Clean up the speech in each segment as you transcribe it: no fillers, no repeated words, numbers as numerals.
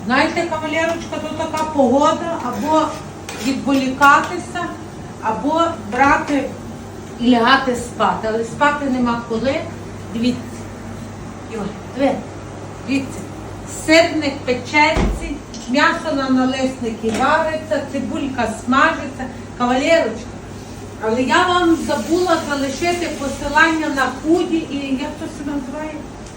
Знаєте, кавалерочка, то така погода, або відволікатися, або брати і лягати спати. Але спати нема коли. Дивіться. Дивіться. Сирник печеться, м'ясо на налисники вариться, цибулька смажиться. Кавалерочка. Але я вам забула залишити посилання на худі і як то себе називає?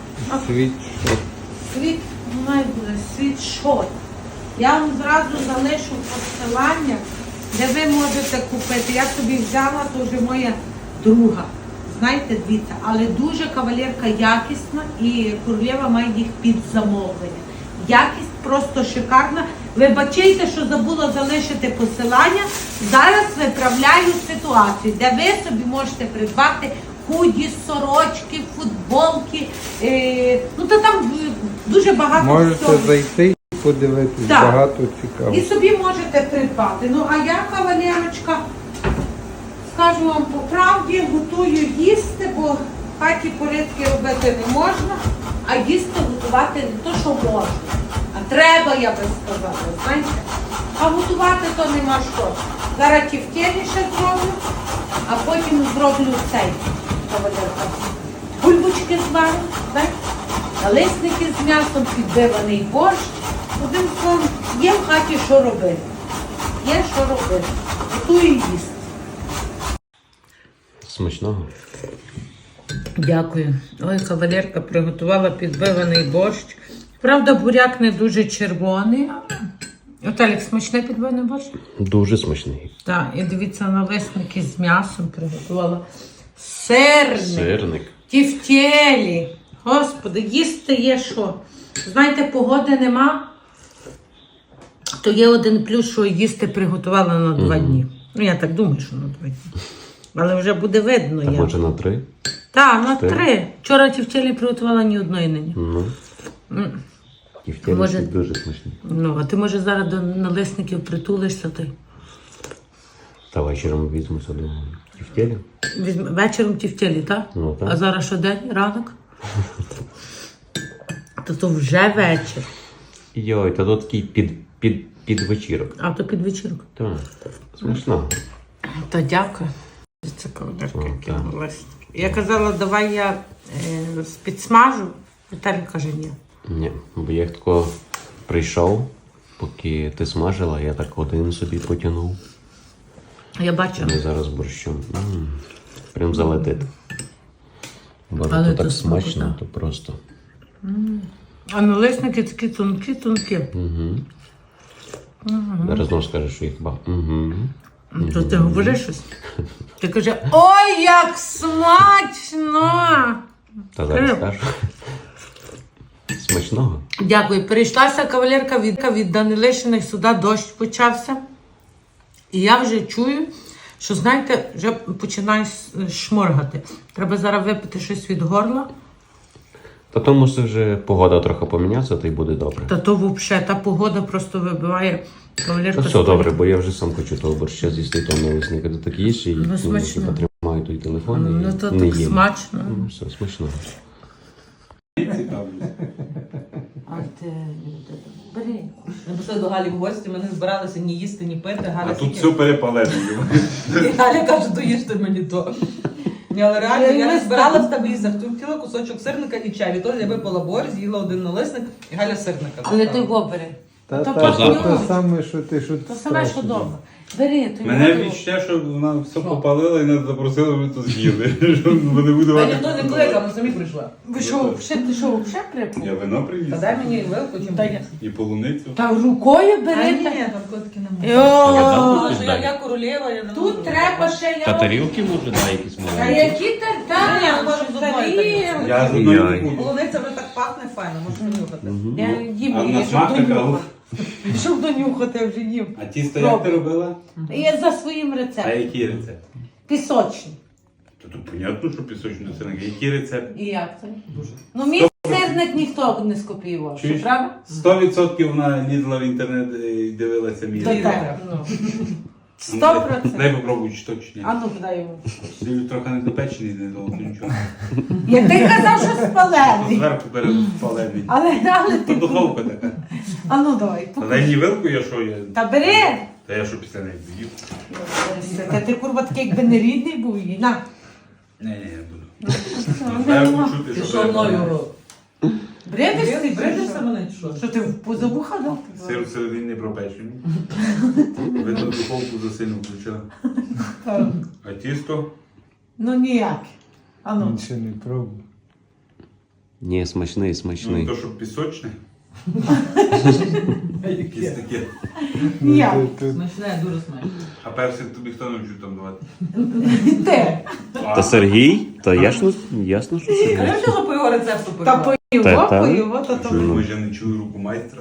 Світшот. Я вам зразу залишу посилання, де ви можете купити. Я собі взяла, то вже моя друга. Знаєте, дивіться, але дуже кавалерка якісна і королева має їх під замовлення. Якість просто шикарна. Вибачайте, що забула залишити посилання. Зараз виправляю ситуацію, де ви собі можете придбати худі, сорочки, футболки. Ну, то там дуже багато всього. Можете зайти і подивитись, так. Багато цікаво. І собі можете придбати. Ну, а я, кавалерочка, скажу вам по правді, готую їсти, бо в хаті порядки робити не можна, а їсти готувати не то, що можна. А треба, я би сказала, знаєте. А готувати то нема що. Зараз тівтєлі ще зроблю, а потім зроблю цей, кавалерка. Бульбочки зварю, знаєте. Налисники з м'ясом, підбиваний борщ. Одним словом, є в хаті що робити. Є що робити. Готую їсти. Смачного. Дякую. Ой, кавалерка приготувала підбиваний борщ. Правда, буряк не дуже червоний. Оталік, смачний підбиваний борщ? Дуже смачний. Так, і дивіться, налисники з м'ясом приготувала. Сирник. Тівтєлі. Господи, їсти є що. Знаєте, погоди нема, то є один плюс, що їсти приготувала на 2 дні. Ну, я так думаю, що на 2 дні. Але вже буде видно. Так, може на 3? Так, на 3. Вчора тівтєлі приготувала ні одної нині. Тівтєлі Може... дуже смачні. Ну, а ти, може, зараз до налисників притулишся ти? Та вечором візьмуся до тівтєлі. Вечором тівтєлі, так? Ну, так. А зараз що день? Ранок? То вже вечір. Йой, та тут такий під вечірок. А то під вечірку. Так, смачно. Та дякую. Це кавалерка, які так. налисники. Я казала, давай я підсмажу. Віталій каже, ні. Ні, бо я тако прийшов, поки ти смажила, я так один собі потягнув. Я бачила. Ми зараз борщом. Прям залетить. Бо Але то то так смачно. смачно, то просто. А налисники такі тонкі. Зараз знову скажеш, що їх ба. То ти говориш щось? Ти каже, ой, як смачно! Та зараз скажу. Смачного. Дякую. Перейшлася кавалерка від Данилишиних, сюди дощ почався. І я вже чую, що, знаєте, вже починаю шморгати. Треба зараз випити щось від горла. Та то мусить вже погода трохи помінятися, то й буде добре. Та то взагалі, та погода просто вибиває кавалерка. Та все добре, бо я вже сам хочу того борща з'їсти, того налисника. Ти так їш і смачно. потримаю той телефон і Ну то не так їм. смачно. Ну, все, смачно. А ти бери. Ми пішли до Галі в гості, ми не збиралися ні їсти, ні пити. Галя А тут все перепалено. І Галя каже, доїжте мені то. Ні, але реально, я не збиралася там їсти. Хотіла кусочок сирника і чай. Відтоді я випила борщ, з'їла один налисник і Галя сирника. Але ти його бери. Та То те саме, що ти що То саме, що вдома. Бери, ти Мене його. відчуття, що вона все попалила і нас запросили, ми то з'їли. Що вони будуть Та ніхто не кликав, ми самі прийшли. Ви що, ти що, взагалі припав? Я вино привіз. Та дай мені вилку, чим Дай я. І полуницю. Та рукою Та бери. ні, та- там котики немає. Йо. Я думала, що я королева, я не можу. Тут треба ще я. тарілки може дай якісь Та які Ні, я можу з одної тарілки. Я з одної Яй. не буду. Полуниця вже так пахне файно, можеш понюхати. Я їм, А на я смак щоб така. донюхати. Щоб донюхати, я вже їм. А тісто як ти робила? Я за своїм А рецептом. який рецепт? Пісочні. То тут понятно, що пісочний сирник. Який рецепт? І як це? Ну, мій сирник ніхто не скопіював, що Чуєш? правда? 100% вона лізла в інтернет і дивилася мій Та рецепт. так, ну. Дай попробуй, чи то, чи ні. А ну, дай йому. Він трохи не допечений, не довго нічого. Як ти казав, що спалений. Зверху перепалений. Але Та ти... духовка така. А ну, давай. Та дай мені вилку, я що я. Та бери. Та я що після неї доїв. Та ти, курва, такий, якби не рідний був її. На. Ні, я буду. Треба почути, Ти що що треба. мною? Бредишся, Бредишся мене чи що? Що ти в позабуха дав? Сир всередині не пропечений. Видно, духовку засильно включила. А тісто? Ну ніяк. А ну. Він ще не пробував. Ні, смачний, Ну, смачний. то, що пісочне. Якісь таке. Ніяк. Смачне, дуже смачне. А персик тобі хто навчив там давати? Ти. Та Сергій? Та ясно, що Сергій. А що по його рецепту Та пойшла? поїво, Та. поїво, то Що, то. може, я не чую руку майстра?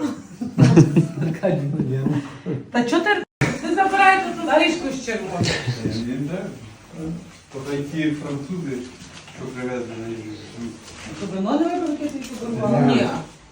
Та чого ти забираєш тут горішку з червоною? Я не знаю. То ті французи, що привезли на їжу. Щоб вино не випив, яке ти подарувала? Ні.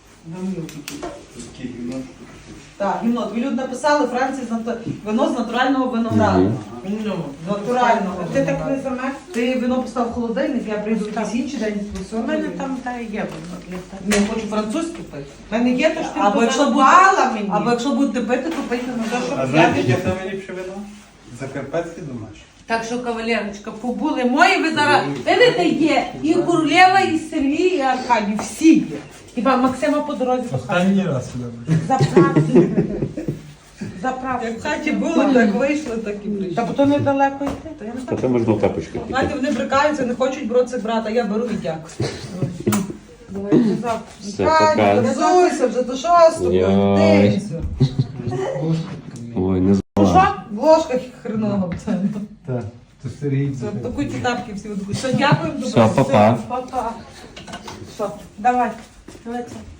Такі гімно, Так, гімно. Тобі люди написали Франції вино з натурального винограду. Ну, Натурального ти так не винограду. замерз? Ти вино постав в холодильник, я прийду в якийсь інший день. У мене там та є воно для тебе. Не хочу французьке пити. У мене є, то ж ти Або якщо подарувала мені. Або якщо будете пити, то пийте на те, А щоб знаєте, я яке саме ліпше вино? Закарпатське домашнє. Так що, кавалерочка, побули мої, ви зараз, видите, є і Курлєва, і Сергій, і Аркадій, всі є. Хіба Максима по дорозі Останній раз сюди. заправці. Заправці. Як в хаті були, так вийшли, так і прийшли. Та бо то недалеко йти. Та я не Та знаю. там можна в тапочки Знаєте, піти. вони брикаються, не хочуть броцик брати, а я беру і дякую. Давайте завтра. Все, Катя, пока. організуйся вже до 6-го, Йой. дивіться. Ой, не Ну знала. що? В ложках хреново. Так, то Сергій. Це такі ті тапки всі. Все, дякую. Все, па-па. Папа. Що? Давай. Давай це.